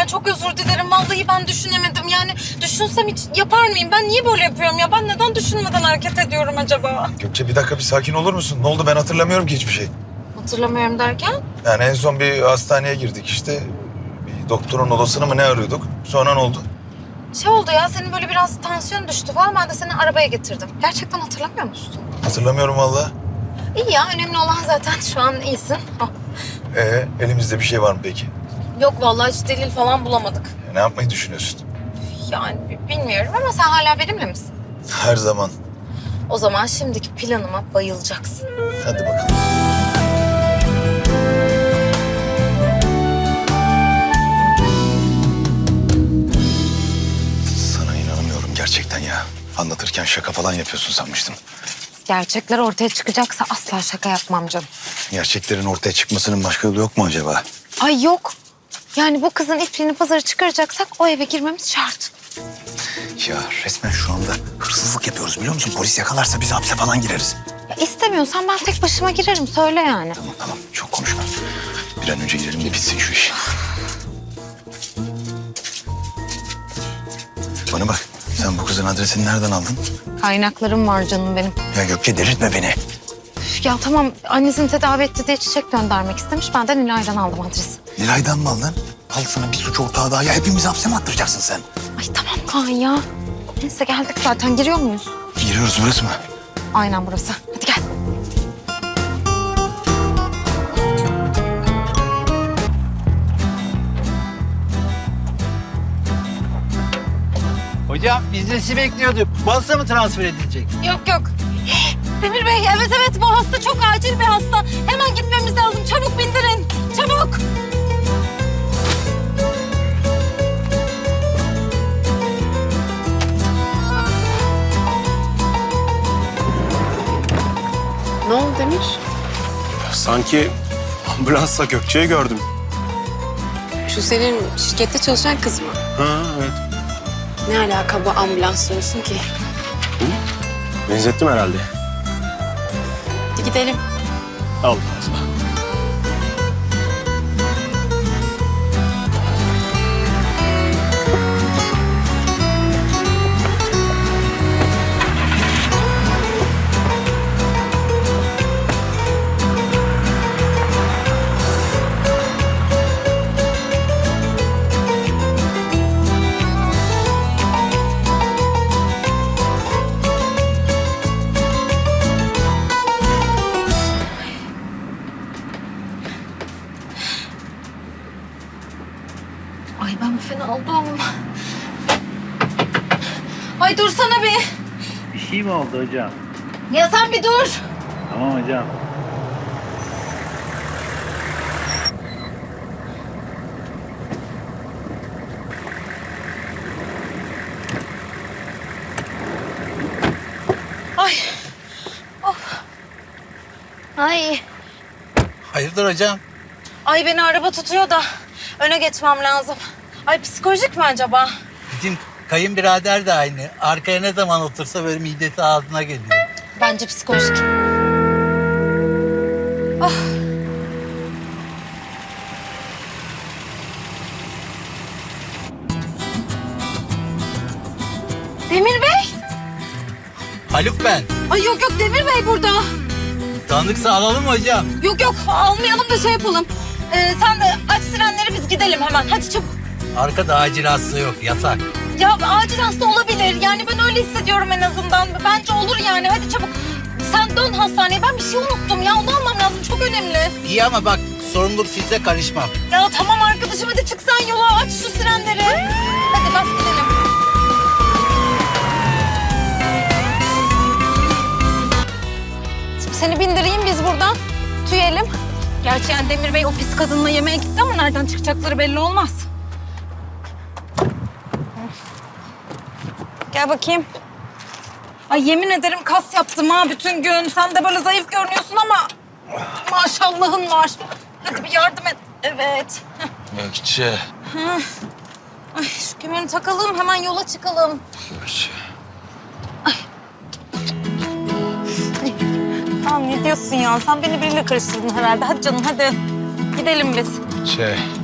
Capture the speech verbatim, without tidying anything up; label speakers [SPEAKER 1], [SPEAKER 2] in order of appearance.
[SPEAKER 1] ya. Çok özür dilerim. Vallahi ben düşünemedim. Yani düşünsem hiç yapar mıyım? Ben niye böyle yapıyorum ya? Ben neden düşünmeden hareket ediyorum acaba?
[SPEAKER 2] Gökçe bir dakika bir sakin olur musun? Ne oldu, ben hatırlamıyorum ki hiçbir şey.
[SPEAKER 1] Hatırlamıyorum derken?
[SPEAKER 2] Yani en son bir hastaneye girdik işte. Bir doktorun odasını mı ne arıyorduk? Sonra ne oldu?
[SPEAKER 1] Şey oldu ya, senin böyle biraz tansiyon düştü falan. Ben de seni arabaya getirdim. Gerçekten hatırlamıyor musun?
[SPEAKER 2] Hatırlamıyorum vallahi.
[SPEAKER 1] İyi ya, önemli olan zaten şu an iyisin. Oh.
[SPEAKER 2] Ee, elimizde bir şey var mı peki?
[SPEAKER 1] Yok vallahi hiç delil falan bulamadık.
[SPEAKER 2] Ne yapmayı düşünüyorsun?
[SPEAKER 1] Yani bi- bilmiyorum ama sen hala benimle misin?
[SPEAKER 2] Her zaman.
[SPEAKER 1] O zaman şimdiki planıma bayılacaksın.
[SPEAKER 2] Hadi bakalım. Sana inanamıyorum gerçekten ya. Anlatırken şaka falan yapıyorsun sanmıştım.
[SPEAKER 1] Gerçekler ortaya çıkacaksa asla şaka yapmam canım.
[SPEAKER 2] Gerçeklerin ortaya çıkmasının başka yolu yok mu acaba?
[SPEAKER 1] Ay yok. Yani bu kızın ipliğini pazara çıkaracaksak o eve girmemiz şart.
[SPEAKER 2] Ya resmen şu anda hırsızlık yapıyoruz biliyor musun? Polis yakalarsa biz hapse falan gireriz.
[SPEAKER 1] Ya istemiyorsan ben tek başıma girerim, söyle yani.
[SPEAKER 2] Tamam tamam, çok konuşma. Bir an önce girelim de bitsin şu iş. Bana bak, sen bu kızın adresini nereden aldın?
[SPEAKER 1] Kaynaklarım var canım benim.
[SPEAKER 2] Ya Gökçe delirtme beni.
[SPEAKER 1] Üf, ya tamam, annesini tedavi etti diye çiçek göndermek istemiş. Ben de Nilay'dan aldım adresi.
[SPEAKER 2] Nilay'dan mı aldın? Al sana bir suç ortağı daha. Ya hepimizi hapse mi attıracaksın sen?
[SPEAKER 1] Ay tamam Kaan ya. Neyse geldik zaten, giriyor muyuz?
[SPEAKER 2] Giriyoruz, burası mı?
[SPEAKER 1] Aynen burası. Hadi gel.
[SPEAKER 3] Hocam biz de sizi bekliyorduk. Balsa mı transfer edilecek?
[SPEAKER 1] Yok yok. Demir Bey, evet evet, bu hasta çok acil bir hasta. Hemen gitmemiz lazım. Çabuk bindirin. Çabuk.
[SPEAKER 4] Ne oldu Demir?
[SPEAKER 5] Sanki ambulansla Gökçe'yi gördüm.
[SPEAKER 4] Şu senin şirkette çalışan kız mı?
[SPEAKER 5] Ha evet.
[SPEAKER 4] Ne alaka bu ambulans diyorsun ki?
[SPEAKER 5] Benzettim herhalde.
[SPEAKER 4] Hadi gidelim.
[SPEAKER 5] Allah Allah.
[SPEAKER 1] Ay ben bir fena oldum. Ay dursana bir.
[SPEAKER 3] Bir şey mi oldu hocam?
[SPEAKER 1] Ya sen bir dur.
[SPEAKER 3] Tamam hocam.
[SPEAKER 1] Ay. Of. Ay.
[SPEAKER 3] Hayırdır hocam?
[SPEAKER 1] Ay beni araba tutuyor da öne geçmem lazım. Ay psikolojik mi acaba?
[SPEAKER 3] Bizim kayınbirader de aynı. Arkaya ne zaman otursa böyle midesi ağzına geliyor.
[SPEAKER 1] Bence psikolojik. Ah. Demir Bey.
[SPEAKER 3] Haluk ben.
[SPEAKER 1] Ay yok yok, Demir Bey burada.
[SPEAKER 3] Tanıdıksa alalım mı hocam?
[SPEAKER 1] Yok yok, almayalım da şey yapalım. Ee, sen de aç sirenleri, biz gidelim hemen. Hadi çabuk.
[SPEAKER 3] Arkada acil hasta yok, yatak.
[SPEAKER 1] Ya acil hasta olabilir. Yani ben öyle hissediyorum en azından. Bence olur yani. Hadi çabuk. Sen dön hastaneye. Ben bir şey unuttum ya. Onu almam lazım. Çok önemli.
[SPEAKER 3] İyi ama bak sorumluluk size, karışmam.
[SPEAKER 1] Ya tamam arkadaşım, hadi çık sen yola. Aç şu sirenleri. Hadi bas gidelim. Şimdi seni bindireyim, biz buradan tüyelim. Gerçi yani Demir Bey o pis kadınla yemeğe gitti ama nereden çıkacakları belli olmaz. Gel bakayım. Ay yemin ederim kas yaptım ha bütün gün. Sen de böyle zayıf görünüyorsun ama maşallahın var. Hadi bir yardım et. Evet.
[SPEAKER 2] Gökçe.
[SPEAKER 1] Ay şu kemerini takalım, hemen yola çıkalım.
[SPEAKER 2] Gökçe.
[SPEAKER 1] Tamam, ne diyorsun ya? Sen beni biriyle karıştırdın herhalde. Hadi canım hadi. Gidelim biz.
[SPEAKER 2] Şey.